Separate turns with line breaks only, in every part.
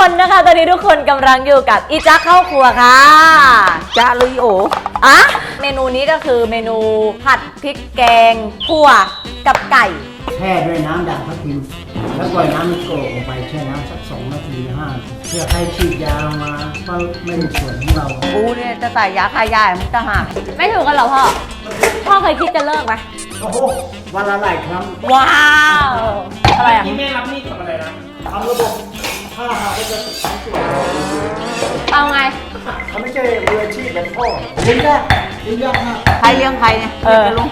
คนนะคะตอนนี้ทุกคนกำลังอยู่กับอีจ๊ะเข้าครัวค่ะ
จ้าลุยโอ
อะเมนูนี้ก็คือเมนูผัดพริกแกงขั่วกับไก่
แช่ด้วยน้ำด่างทับทิมแล้วปล่อยน้ำมันโกรกลงไปแช่น้ำสัก2 นาที5 เพื่อให้ฉีดยามาก็ไม่มีส่วนของเรา
กูเนี่ยจะใส่ยาคายามันจะหาย
ไม่ถูกกันเหรอพ่อเคยคิดจะเลิกไหม
โอ้โหวันละหลายครั้ง
ว้าวอะไรอ่ะ
ที่แม่รับนี่ทำอะไรนะ
ทำระบบถ้าหากว่าจะสายส่วน
เอาไง
เขาไม่ใช่มืออาชีพแบบพ่อเลี้ยงยากมาก
ใครเลี้ยงใครเนี่ยลุง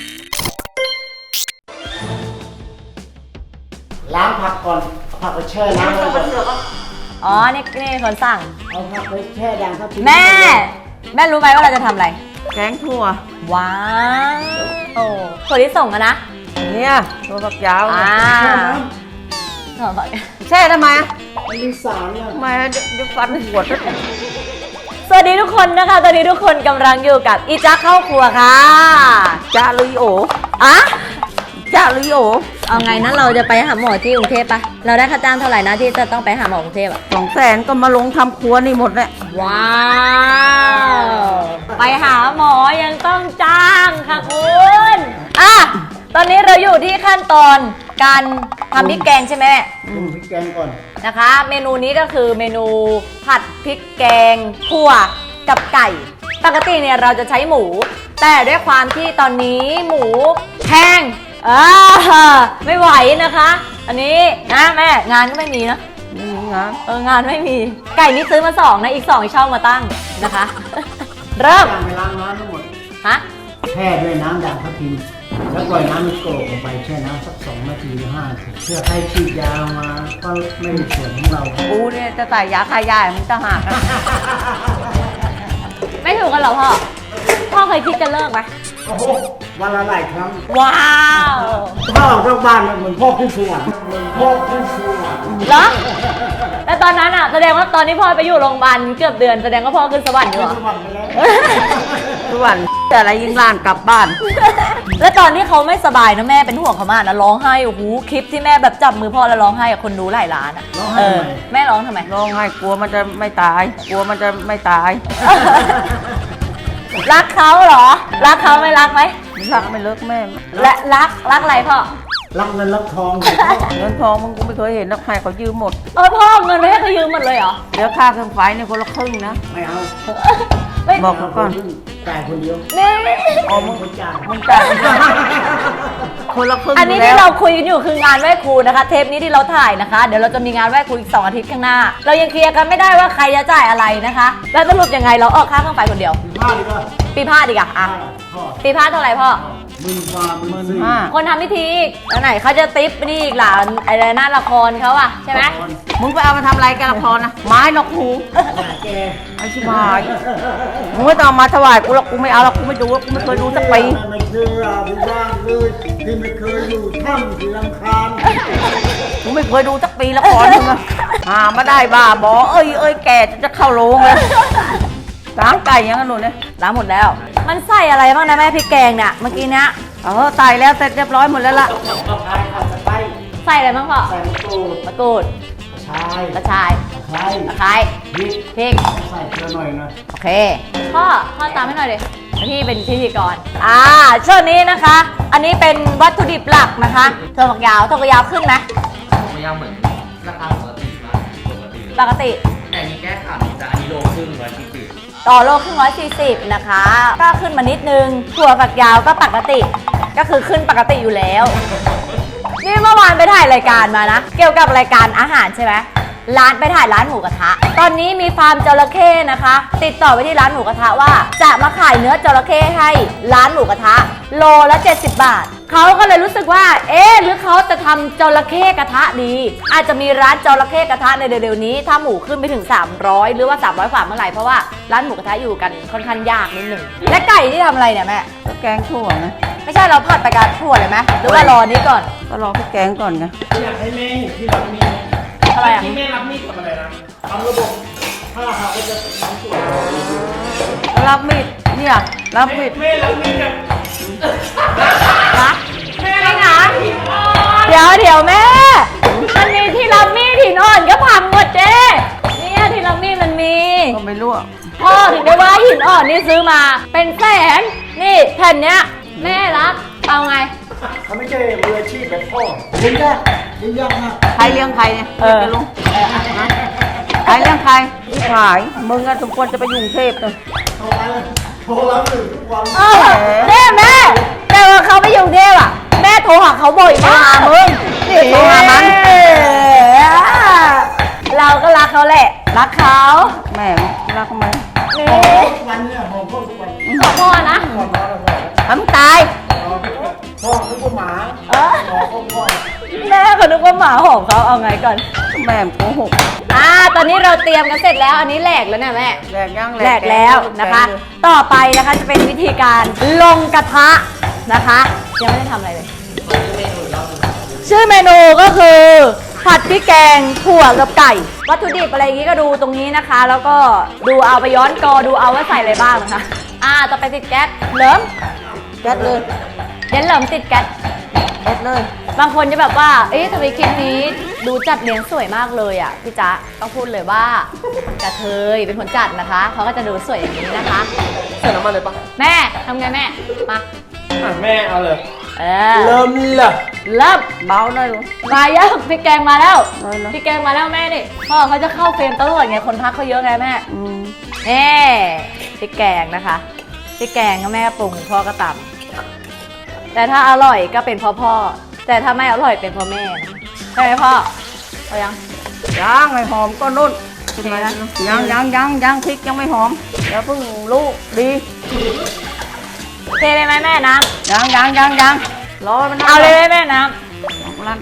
ล้างผักก่อนผักไปแช่น้ำแล้ว
อ๋อนี่คนสั่ง
เอาผักไปแช่ด่างทับทิม
แม่รู้ไหมว่าเราจะทำอะไร
แกงถั่ว
ว้าวโอ้ถั่วที่ส่งอะนะ
เนี่ยตัวฝักยาว
แช่น้ำ
แช่ทำไม
มันมีสารเนี่ย
ทำไมเดี๋ยวฟันหัว
สวัสดีทุกคนนะคะตอนนี้ทุกคนกำลังอยู่กับอีจ๊ะเข้าครัวค่ะ
จ้าลุยโอ
อะ
จ้าลุยโอ
เอาไงนั้นเราจะไปหาหมอที่กรุงเทพปะเราได้ค่าจ้างเท่าไหร่นะที่จะต้องไปหาหมอกรุงเทพอะ
200,000ก็มาลงทำครัวนี่หมดแหละ
ว้าวไปหาหมอยังต้องจ้างค่ะคุณอ่ะตอนนี้เราอยู่ที่ขั้นตอนการทำพริกแกงใช่ไหม
ปรุงพริกแกงก่อน
นะคะเมนูนี้ก็คือเมนูผัดพริกแกงขั่วกับไก่ปกติเนี่ยเราจะใช้หมูแต่ด้วยความที่ตอนนี้หมูแพงไม่ไหวนะคะอันนี้นะแม่งานก็ไม่มีนะงานไม่มีไก่นี่ซื้อมา2นะอีก2เช่ามาตั้งนะคะเริ่ม
ไปล้างน้ำทั้งหมด
ฮะ
แช่ด้วยน้ำด่างทับทิมแล้วปล่อยน้ำมันโกรกลงไปแช่น้ำสัก2 นาที5 เพื่อให้ฉีดยามาก็ไม่มีส่วนของเรา
กูเนี่ยจะใส่ยาคายามันจะหาย
ไม่ถูกกันเหรอพ่อเคยคิดจะเลิกไหม
โอ้โหวันละหลายครั้ง
ว้าว
พ่อออกจากบ้านเหมือนพ่อขึ้นสวรรค์เหมือนพ่อขึ้นสวรรค์
เหรอแต่ตอนนั้นอ่ะแสดงว่าตอนที่พ่อไปอยู่โรงพยาบาลเกือบเดือนแสดงว่าพ่อขึ้นสวรรค์อยู่เหรอ
สวรรค์ไปแล้ว
สวรรค์แต่อะไรยิงลานกลับบ้าน
แล้วตอนที่เขาไม่สบายนะแม่เป็นห่วงเขามากนะร้องไห้โอ้โหคลิปที่แม่แบบจับมือพ่อแล้วร้องไห้กับคนดูหลายล้านอ่ะแม่ร้องทำไม
ร้องไห้กลัวมันจะไม่ตาย
รักเขาเหรอรักเขาไม่รักไหม
รักไม่เลิกแม่
และรักอะไรพ่อ
รักเงินรักทอง
เงินทองมึงกูไม่เคยเห็นนักใครเขายืมหมด
พ่อเงินไม่ให้เขายืมหมดเลยเหรอ
เดี๋ยวค่าเครื่องไฟเนี่ยคนละครึ่งนะ
ไม่เอา
บอกเขาก่อน
จ่ายคนเดียว
นี่
มึงจ่าย
คนละครึ่ง
อันนี้ที่เราคุยกันอยู่คืองานไหว้ครูนะคะเทปนี้ที่เราถ่ายนะคะเดี๋ยวเราจะมีงานไหว้ครูอีก2 อาทิตย์ข้างหน้าเรายังเคลียร์กันไม่ได้ว่าใครจะจ่ายอะไรนะคะแล้วสรุปยังไงเราออกค่าเครื่องไฟคนเดียวปีพาดดีกว่าอ่ะปีพาดเท่าไหร่พ่อ
15,000
คนทำพิธีแล้วไหนเขาจะติ๊บนี่อีกหล่ะอะไรหน้าละครเขาอะใช่ไหม
มึงไปเอามาทำอะไรกันละครนะไม้นกหูไอ้ชิบหายมึงไม่ต้องมาถวายกูหรอกกูไม่เอาหรอกกูไม่ดูกูไม่เคยดูสักปี
ไม่เชื่อพี่บ้างเลยที่ไม่เคยอยู่ถ้ำที่ลำคาญ
กูไม่เคยดูสักปีละครมึงอะมาได้บ้าบอเอ้ยแกจะเข้าโรงเลยล้างไก่ยังกันหนูเนี่ย
ล้างหมดแล้วมันใส่อะไรบ้างนะแม่พริกแกงเนี่ยเมื่อกี้เนี้ย
ใส่แล้วเสร็จเรียบร้อยหมดแล้วล่ะ
ใส่อะไรบ้างพ่อ
ใส่มะกรูด
กระชายตะไคร้พริก
ใส่เกลือหน่อยนะ
โอเคพ่อตามให้หน่อยดิพี่เป็นพิธีกรช่วงนี้นะคะ อันนี้เป็นวัตถุดิบหลักนะคะถั่วฝักยาวขึ้นไหม
ถั่วฝักยาวเหมือนราคาปกติ
ปกติ
แต่นี้แก้ข่าวจะอันนี้โลครึ่ง140
ต่อโลครึ่ง140นะคะก็ขึ้นมานิดนึงถั่วฝักยาวก็ปกติก็คือขึ้นปกติอยู่แล้วนี่เมื่อวานไปถ่ายรายการมานะเกี่ยวกับรายการอาหารใช่ไหมไปถ่ายร้านหมูกระทะตอนนี้มีฟาร์มจระเข้นะคะติดต่อไปที่ร้านหมูกระทะว่าจะมาขายเนื้อจระเข้ให้ร้านหมูกระทะโลละ70 บาทเขาก็เลยรู้สึกว่าหรือเขาจะทำจระเข้กระทะดีอาจจะมีร้านจระเข้กระทะในเร็วๆนี้ถ้าหมูขึ้นไปถึง300หรือว่า300 กว่าเมื่อไหร่เพราะว่าร้านหมูกระทะอยู่กันค่อนข้างยากนิดหนึ่งและไก่ที่ทำอะไรเนี่ยแม่
แกงถั่วนะ
ไม่ใช่เราผัดไปกับถั่วเลยไหมหรือว่ารอนี้ก่อน
ก็รอพี่แกงก่อนไง
อยากให้แม่ที่รับมี
อะไรอ่ะ
ที่แม่รับมีดทำอะไรนะ
ทำระบบถ้าหากว่าจะสายส่วน
รับมีดเนี่ยรับมีด
แม่รับมีดกัน
แม่ไม่นะเดี๋ยวแม่มันมีที่รับมีดหินอ่อนก็พังหมดเจ๊
ไม่รู้อะ
พ่อถึงได้ว่าหินอ่อนนี่ซื้อมาเป็นแสนนี่แผ่นเนี้ยแม่รักเอาไง
เขาไม่ใช่มืออาชีพแบบพ่อเลี้ยงยากเลี้ยงยากมาก
ใครเลี้ยงใครเนี่ยเรียกไปลุงนะใครเลี้ยงใครพี่ขายมึงอะสมควรจะไปอยู่กรุงเทพเลย
โทรมาเลยโทรรับหนึ่งทุกวัน
เออแม่แต่ว่าเขาไปอยู่กรุงเทพอ่ะแม่โทรหาเขาบ่อยมากมึง
โทรหามัน
เราก็รักเขาแหละรักเขา
แม่รักทำไม
นี่
ทุกวันเนี่ยหอมพ่อทุกวัน
ขอพ่อนะ
ก่อนนอนเราบอก
ทำตาย
พ่อนึกว่าหมา
เออ
พ่อ
แม่เขานึกว่าหมาหอมเขาเอาไงก่อน
แม่โกหก
ตอนนี้เราเตรียมกันเสร็จแล้วอันนี้แหลกแล้วเนี่ยแม่
แหลกย่าง
แหลกแล้วนะคะ ต่อไปนะคะจะเป็นวิธีการลงกระทะนะคะยังไม่ได้ทำอะไรเลย ชื่อเมนูก็คือผัดพริกแกงถั่วกับไก่ วัตถุดิบอะไรอย่างงี้ก็ดูตรงนี้นะคะ แล้วก็ดูเอาไปย้อนกอดูเอาว่าใส่อะไรบ้างนะคะต่อไปติดแก๊สเหลิม
แก๊สเลย
เดี๋ยวเหลิมติดแก๊ส
แก๊สเลย
บางคนจะแบบว่าเอ๊ะทำไมคลิปนี้ดูจัดเลี้ยงสวยมากเลยอ่ะพี่จ๊ะต้องพูดเลยว่ากระเทยเป็นคนจัดนะคะเขาก็จะดูสวยอย่างนี้นะคะ
ใส่น้ำมันเลยปะ
แม่ทำไงแม่มา
แม่เอาเลย
เริ่ม
เลย
เริ่ม
เบาหน่อยลูก
มาเยอะพริกแกงมาแล้ว
น้อยนะ
พริกแกงมาแล้วแม่นี่พ่อเขาจะเข้าเฟรมตลอดไงคนพักเขาเยอะไงแม่
อืม
พริกแกงนะคะพริกแกงก็แม่ปรุงพ่อก็ตำแต่ถ้าอร่อยก็เป็นพ่อแต่ถ้าไม่อร่อยเป็นพ่อแม่นะคะใช่ไหมพ่อเอายัง
ย่างให้หอมก็นุ่น
โอเคนะ
ยังพริกยังไม่หอมเดี๋ยวเพิ่งลูกดี
เทเลยไหมแม่น้
ยังรอมัน
ำเอาเลยไหมแม่น้
ลั่น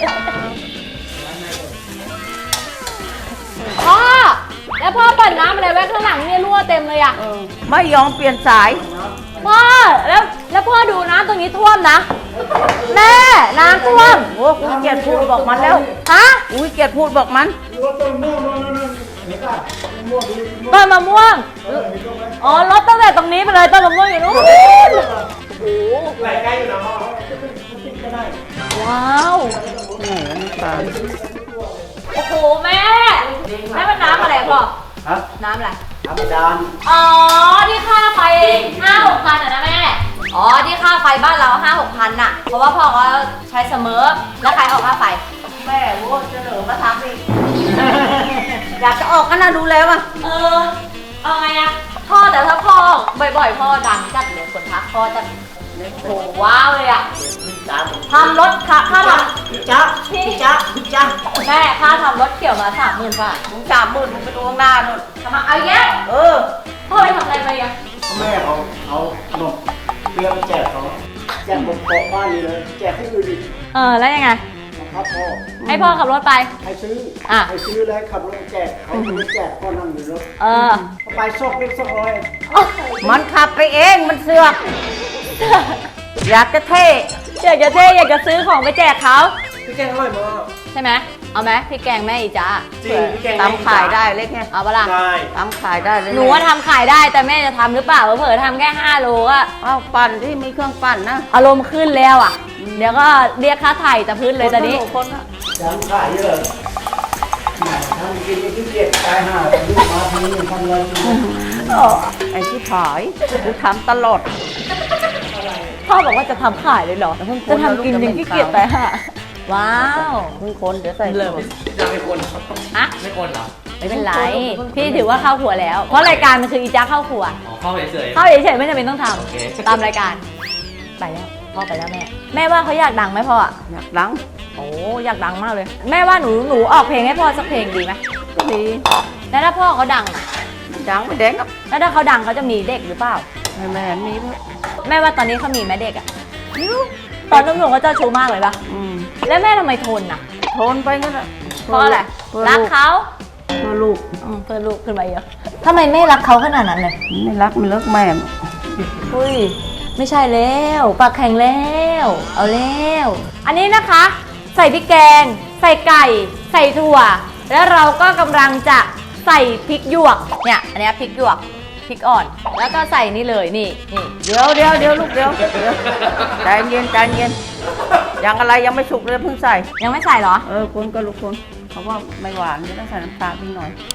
ำพ่อแล้วพ่อเปิดน้ำอะไรไว้ข้างหลังเนี่ยรั่วเต็มเลยอ่ะ
ไม่ยอมเปลี่ยนสาย
พ่อแล้วพ่อดูน้ำตรงนี้ท่วมนะแม่น้ำท่วม
โอ้กูเกลียดพูดบอกมันแล้ว
ฮะ
กูเกลียดพูดบอกมัน
รถต้นม่วงนั่นเห็นป่ะม่วงดี
ต้นมะม่วงอ๋อรถตั้งแต่ตรงนี้ไปเลยต้นมะม่วงอยู่นู้น
ไหลใกล้อยู่นะพ่อ
ว้าว
แหมน้ำตาล
โอ้โหแม่มันน้ำอะไรพ่อ
ฮะ
น้ำอะไร
ธรรมดา
อ๋อที่ค่าไฟ5-6 พันอ่ะนะแม่อ๋อที่ค่าไฟบ้านเรา5-6 พันน่ะเพราะว่าพ่อเขาใช้เสมอแล้วใครออกค่าไฟ
แม่โว้ยจะเหลือมาทำอีก อยากจะออกกันนะดูแล้วอ่ะ
เอาไงอะพ่อแต่ถ้าพ่อบ่อยๆพ่อดังจัดเลยคนทักพ่อจะโหว้าวเลยอะทำรถค่าท
จ๊ะจ๊ะจ๊ะ
ำแม่ค่าทำรถเกี่ยวมา30,000 บาท
มึง30,000มึงไปดูข้างหน้านู่น
ทำมาเอาแยะ
เอ
พ่อไปทำอะไรมาอ่ะ
แม่เอาขนมเตรียมแจกเขาแจกบนโต๊ะบ้านนี่เลยแจกให้อื่นอีก
แล้วยังไง
นะครับพ่อ
ให้พ่อขับรถไป
ให้ซื้อ
อ่ะ
ให้ซื้อแล้วขับรถแจกเขาไม่แจกพ่อนั่งอยู่รถ
อ
เอาไปซอกเล็กซอกน้อย
มันขับไปเองมันเสือกอยากจะเท่
อยากจะเท่อยากจะซื้อของไปแจกเขา
พี่แกงอร่อยมาก
ใช่ไหมเอาไหมพี่แกงแม่อีจ้า
จริงพี่แกง
ตำขายได้เล็กไง
เอาปะล่ะ
ได้
ตำขายได้เลย
หนูว่าทำขายได้แต่แม่จะทำหรือเปล่าเผลอๆทำแค่5 โลก็
อ้าวปั่นที่มีเครื่องปั่นนะ
อารมณ์ขึ้นแล้วอ่ะ เดี๋ยวก็เรียกค่าไถ่แต่พื้นเลยตอนนี้
คนละ
ยังขายเยอะแหมทำกินไม่ขี้เกียจตายห่าแต่ลูกมาทีนี้ทำอะไรกิน
ไอ้ที่ผายกูทำตลอด
พ่อบอกว่าจะทำขายเลยเหรอ จะทำกินยังขี้เกียจไปฮะว้าว
เพิ่งคนเดี๋ยวใส่
เริ่ม
จะไม่คน
ฮะ
ไม่คนเหรอ
ไม่เป็นไร พี่ถือว่าเข้าครัวแล้ว เพราะรายการมันคืออีจ้าเข้าครัว
อ๋อเข้าเฉย
เข้าเฉยๆไม่จำเป็นต้องท
โอเค
ำตามรายการ ไปแล้วพ่อไปแล้วแม่ แม่ว่าเขาอยากดังไหมพ่ออะ
อยากดัง
โอ้อยากดังมากเลย แม่ว่าหนูออกเพลงให้พ่อสักเพลงดีไหม
ก็ดี
แล้วถ้าพ่อเขาดังอะ
ดังไม่แดงครับ
แล้วถ้าเขาดังเขาจะมีเด็กหรือเปล่า
แม่มีด้วย
แม่ว่าตอนนี้เขามีแม่เด็กอะตอนหนุ่มๆเขาเจ้าชู้มากเลยปะ
อืม
แล้วแม่ทำไมทนอะ
ทนไปงั้นแหละ
เพราะอะไร
เพื่อ
รัก
ลูก
เขา
เพื่อลูก
เพื่อลูกขึ้นมาเยอะทำไมแม่รักเขาขนาดนั้นเลย
ไม่รักไม่เลิกแม่
อุ้ยไม่ใช่แล้วปากแข็งแล้วเอาแล้วอันนี้นะคะ ใส่พริกแกง ใส่ไก่ ใส่ถั่ว แล้วเราก็กำลังจะใส่พริกหยวกเนี่ยอันนี้พริกหยวกพริกอ่อน แล้วก็ใส่นี่เลยนี่
เดี๋ยวลูกเดี๋ยวใจเย็นใจเย็นยังอะไรยังไม่สุกเลยเพิ่งใส่
ยังไม่ใส่เหรอ
คนก็ลูกคนเพราะว่าไม่หวานจะต้องใส่น้ำตาลนิดหน่อย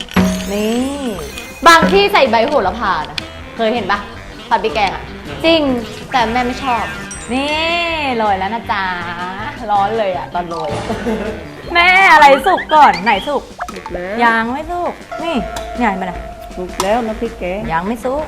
นี่ บางที่ใส่ใบโหระพานะเคยเห็นปะผัดพริกแกงอะจริงแต่แม่ไม่ชอบ นี่โรยแล้วนะจ๊ะร้อนเลยอะตอนโรย แม่อะไรสุกก่อนไหนสุก
สุกแล้ว
ยังไม่สุกนี่ใหญ่มานะ
สุกแล้วน้ำพริกแกง
ยังไม่สุก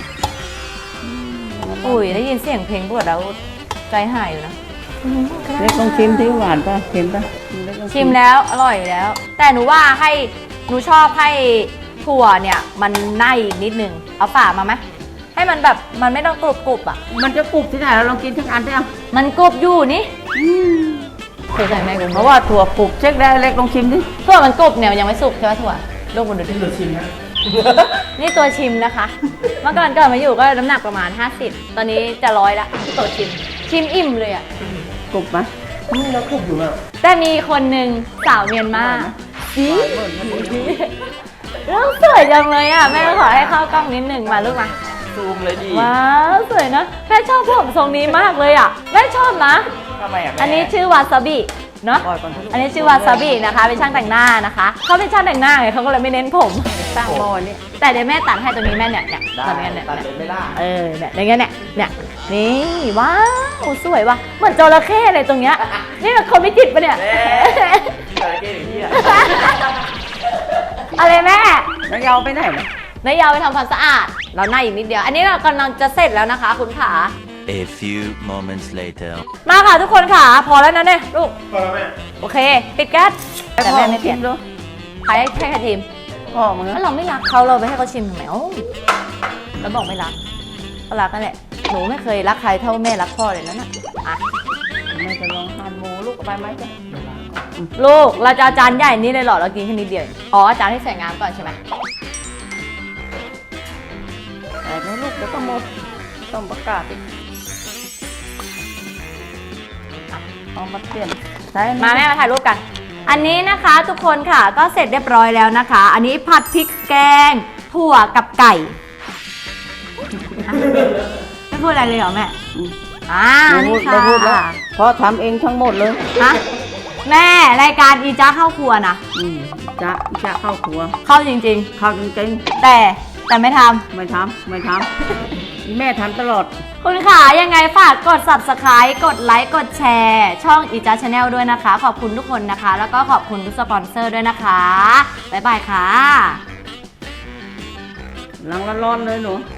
อุ้ยได้ยินเสียงเพลงบวชแล้วใจหายอยู่นะ
เล็กต้องชิมที่หวานป่ะเค็มป่ะเล็กต้อง
ชิมแล้วอร่อยแล้ว แต่หนูว่าให้หนูชอบให้ถั่วเนี่ยมันไหม้อีกนิดนึงเอาฝามาไหมให้มันแบบมันไม่ต้องกรุบๆอ่ะ
มันจะกรุบที่ไหนเราลองกินทั้งอันได้เอา
มันกรุบอยู่นี่เคยใส่ไหมคุณ
เพราะว่าถั่วกรุบเช็คได้เล็กลองชิมดิ
ถั่วมันกรุบเนี่ยมันยังไม่สุกใช่ไหมถั่วลูกมันดูดิ
ที่เราชิมนะ
นี่ตัวชิมนะคะ เมื่อก่อนเกิดมาอยู่ก็น้ำหนักประมาณ 50 ตอนนี้จะ100ละตัวชิมอิ่มเลยอ่ะ
กรุบไหม
นี่เราคุกอยู่อ่ะ
แต่มีคนหนึ่งสาวเมียนมา
หวานเบิ่นนะ
แล้วสวยจังเลยอ่ะแม่ขอให้เข้ากล้องนิดหนึ่งมาลูกมา
ซูมเลยดิ
ว้าวสวยนะแม่ชอบผมทรงนี้มากเลยอ่ะแม่ชอบนะ
ทำไมอ่ะแม่
อันนี้ชื่อวาซาบิเนาะ
ปล่อยก่อนทุก
อันนี้ชื่อวาซาบินะคะเป็นช่างแต่งหน้านะคะเขาเป็นช่างแต่งหน้าไงเขาก็เลยไม่เน้นผม
ตั้งหม้อนี่
แต่เดี๋ยวแม่ตัดให้ตัวนี้แม่เนี่ย
ได้
ตัดอย่างเงี้ย
ตัด
เนี่ย
เลยไม่ได้
เออเนี่ยอย่างเงี้ยเนี่ยนี่ว้าวสวยว่ะเหมือนจระเข้เลยตรงเนี้ยนี่มันคนไม่จิตปะเนี่ย
แม่จระเข้อย่างนี้อ่ะ
อะไรแม่
แล้วยาวไปไหนนะ
นายยาวไปทำความสะอาดเราหน้าอีกนิดเดียว อันนี้เรากำลังจะเสร็จแล้วนะคะคุณขา
A few moments later.
มาค่ะทุกคนค่ะพอแล้วนะเนี่ยลูก
พอแล้วแม่
โอเค ปิดแก๊สแต่แม่ไม่เปลี่ยน
ดู
ใครให้ใครทีม
พ่อมึง
ถ้าเราไม่รักเขาเราไปให้เขาชิมทำไมเอ้าแล้วบอกไม่รักก็รักนั่นแหละหนูไม่เคยรักใครเท่าแม่รักพ่อเลยนะน่ะอ่ะ
แม่จะลองทานหมูลูกเอาไปไหมจ๊ะ
ลูกเราจะเอาจานใหญ่นี้เลยเหรอเรากินแค่นิดเดียวเองอ๋อจานที่ใส่งามก่อนใช่ไหม
แต่ไม่ลูกเดี๋ยวก็หมดต้องประกาศอีกเอามาเปลี่ยนใช่
มาแม่มาถ่ายรูปกัน อันนี้นะคะทุกคนค่ะก็เสร็จเรียบร้อยแล้วนะคะ อันนี้ผัดพริกแกงถั่วกับไก่อ่ะไม่พูดอะไรเลยเหรอแม่นี่
ไม่
ค่ะ
พูดแล้วเพราะทำเองทั้งหมดเลย
ฮะแม่รายการอีจ้าเข้าครัวนะ
จะเข้าครัว
เข้าจริง
เข้าจริง
ๆ แต่ไม่ทำ
ๆไม่ทำแม่ทำตลอด
คุณขายังไงฝากกด subscribe กดไลค์กดแชร์ช่องอีจ้าชาแนลด้วยนะคะ ขอบคุณทุกคนนะคะ แล้วก็ขอบคุณทุกสปอนเซอร์ด้วยนะคะบ๊ายบายค่ะ
หลังร้อนๆเลยหนู